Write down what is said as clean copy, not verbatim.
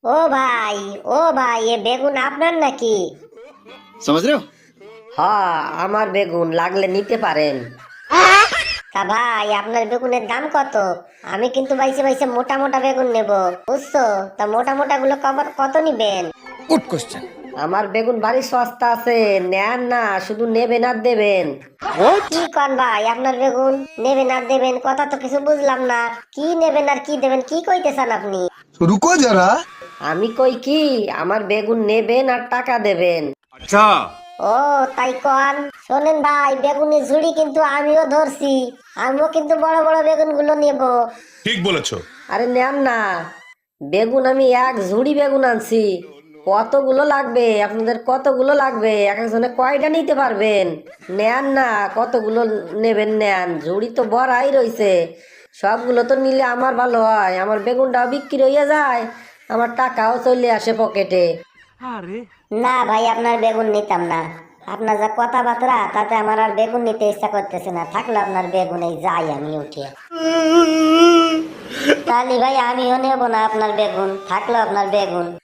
ও ভাই, ও ভাই, এ বেগুন আপনার নাকি? समझ रहे हो। হ্যাঁ, আমার বেগুন, লাগলে নিতে পারেন। তা ভাই, আপনার বেগুনের দাম কত? আমি কিন্তু বাইসে বাইসে মোটা মোটা বেগুন নেব, বুঝছো? তা মোটা মোটা গুলো কত নিবেন? Good question. আমার বেগুন বাড়ি সস্তা আছে, নেন না, শুধু নেবেন আর দেবেন। কি কন ভাই, আপনার বেগুন নেবেন আর দেবেন, কথা তো কিছু বুঝলাম না। কি নেবেন আর কি দেবেন, কি কইতেছেন আপনি? रुको जरा। আমি কই কি, আমার বেগুন নেবেন আর টাকা দেবেন। अच्छा। ও তাই কন। শোনেন ভাই, বেগুনের ঝুড়ি কিন্তু আমিও ধরছি। আমিও কিন্তু বড় বড় বেগুন গুলো নেব। ঠিক বলেছো। আরে নেন না, বেগুন আমি এক ঝুড়ি বেগুন আনছি। কতগুলো লাগবে আপনাদের, কতগুলো লাগবে? এক একজনে কয়টা নিতে পারবেন? নেন না, কতগুলো নেবেন নেন, ঝুড়ি তো ভরাই রইছে। সবগুলো তো নিলে আমার ভালো হয়, আমার বেগুনটাও বিক্রি হইয়া যায়, আমার টাকাও চলে আসে পকেটে। না ভাই, আপনার বেগুন নিতাম না। আপনার যা কথাবার্তা, তাতে আমার আর বেগুন নিতে ইচ্ছা করতেছে না। থাকলো আপনার বেগুন, এই যাই আমি উঠে। তাহলে ভাই আমিও নেবো না আপনার বেগুন, থাকলো আপনার বেগুন।